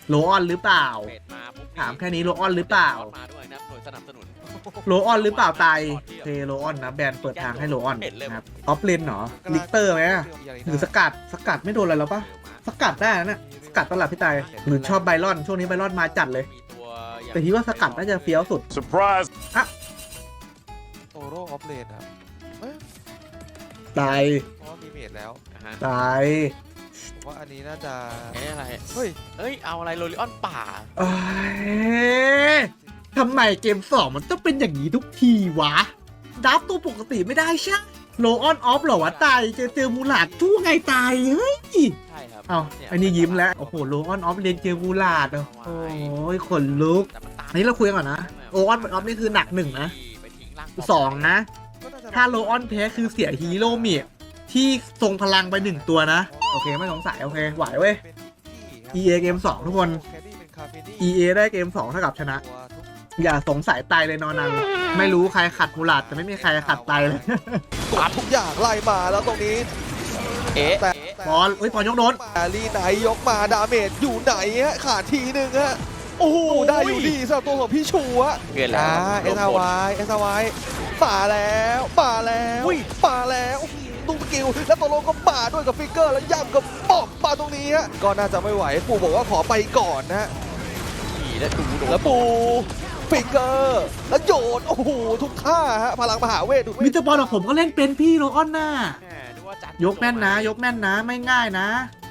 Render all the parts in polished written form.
โลออนหรือเปล่าเป็ดมาปุ๊บถามแค่นี้โลออนหรือเปล่ามาด้วยนะหน่วยสนับสนุนโลออนหรือเปล่าไตเทโลออนนะแบรนด์เปิดทางให้โลออนนะครับออฟเลนเหรอลิกเตอร์ไหมหรือสกัดไม่โดนอะไรแล้วปะสกัดได้นะเนี่ยสกัดตลาดพี่ไตหรือชอบไบรอนช่วงนี้ไบรอนมาจัดเลยมีตัวแต่คิดว่าสกัดน่าจะเฟี้ยวสุด Surprise โตโร่ออฟเลนครับเอ้ยไตเพราะว่ามีเมดแล้วนะฮะไตผมว่าอันนี้น่าจะเอ๊ะอะไรเฮ้ยเอ้ยเอาอะไรโรลิออนป่าเอ้ยทำไมเกม2มันต้องเป็นอย่างนี้ทุกทีวะดับตัวปกติไม่ได้ใช่โลออนออฟเหรอวะไตเจอมูหลาดจู้ไงไตเฮ้ยใช่ครับเอ้าอันนี้ยิ้มแล้ว โอ้โห โลออนออฟเรียนเจอมูลาด โอ้โหขนลุกแต่มันตามอันนี้เราคุยกันก่อนนะ โลออนออฟนี่คือหนักหนึ่งนะไปทิ้งร่างสองนะก็น่าจะถ้าโลออนแพ้คือเสียฮีโร่เมียที่ทรงพลังไปหนึ่งตัวนะ โอเค ไม่สงสัย โอเค ไหวเว้ยเป็นที่ EA เกม2ทุกคนแคดดี้เป็นคาเฟนี่ EA ได้เกม2เท่ากับชนะตัวทุกอย่าสงสัยตายเลยนอนัง ไม่รู้ใครขัดมูลาดแต่ไม่มีใครขัดตายเลยกดทุกอย่างไล่มาแล้วตรงนี้เอ๊ะแต่บอลเฮ้ยบอลยกโดนมาลีไหนยกมาดาเมจอยู่ไหนฮะขาดทีหนึ่งฮะโอ้โหได้อยู่ดีสำหรับตัวของพี่ชูอะเกินแล้วเอสวายป่าแล้วป่าแล้วป่าแล้วดูสกิลแล้วตัวโลก็ป่าด้วยกับฟิกเกอร์แล้วย่ำกับป๊อบป่าตรงนี้ฮะก็น่าจะไม่ไหวปู่บอกว่าขอไปก่อนนะขี่และดูโดนแล้วปูฟิกเกอร์แล้วโยนโอ้โหทุกท่าฮะพลังมหาเวทดูมิสเตอร์บอลของผมก็เล่นเป็นพี่โลออนน่ะแหมนึกว่าจัดยกแม่นนะ ยกแม่นนะ ไม่ง่ายนะ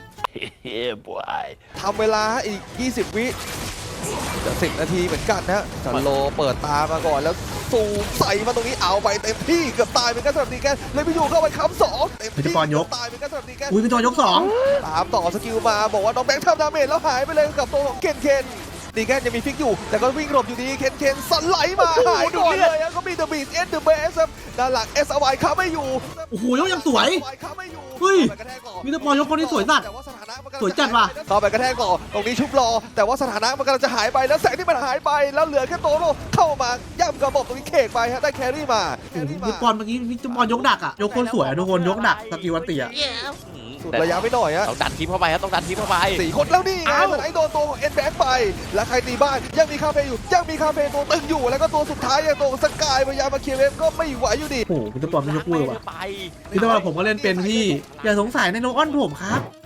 Yeah boy ทำเวลาอีก 20 วิจะ10 นาทีเหมือนกันนะสันโลเปิดตามาก่อนแล้วซูมใส่มาตรงนี้เอาไปเต็มที่เกือบตายเป็นกันสำหรับดีแกนเลยไปอยู่เข้าไปค้ำสองเต็มพิธีที่กรยกตายเป็นกันสำหรับดีแกนอุ้ยเป็นตัวยกสองตามต่อสกิลมาบอกว่าน้องแบงค์ทำดาเมจแล้วหายไปเลยกับตัวของเคนดีแกนยังมีฟิกอยู่ แต่ก็วิ่งหลบอยู่ดีเคนสไลด์มาหายก่อนเลยแล้วก็มีเดอะบีทเอ็นเดอะเบสด้านหลังเอสไวค้าไม่อยู่โอ้โหยกยังสวยค้าไม่อยู่เฮ้ยข้าไปกระแทกต่อมิสเตอร์บอลยกคนนี้สวยสัตว์แต่ว่าสถานะมันกำลังสวยจัดว่ะเข้าไปกระแทกต่อตรงนี้ชุบรอ แต่ว่าสถานะมันกำลังจะหายไปแล้วแสงที่มันหายไปแล้วเหลือแค่โตโร่เข้ามาย่ำกระบอกตรงนี้เคกไปฮะได้แครี่มาโอ้โหมิสบอลเมื่อกี้มิสบอลยกดักอ่ะ ยกคนสวยอะทุกคนยกดักสกิลวันตีอ่ะสุดระยะไม่หน่อยฮะต้องดันทีมเข้าไปครับต้องดันทีมเข้าไปสี่คนแล้วนี่ไงเอ้าสไนโดนตัวของเอ็นแบงไป แล้วใครตีบ้านยังมีคาเฟ่อยู่ยังมีคาเฟ่ตัวตึงอยู่แล้วก็ตัวสุดท้ายอย่างตัวสกายพยายามมาเคลียร์เวฟก็ไม่ไหวอยู่ดีโอ้โหมิสบอลไม่ยกมือว่ะไปมิสบอลผมก็เล่นเป็นพี่ อย่าสงสัยในโลออนผมครับ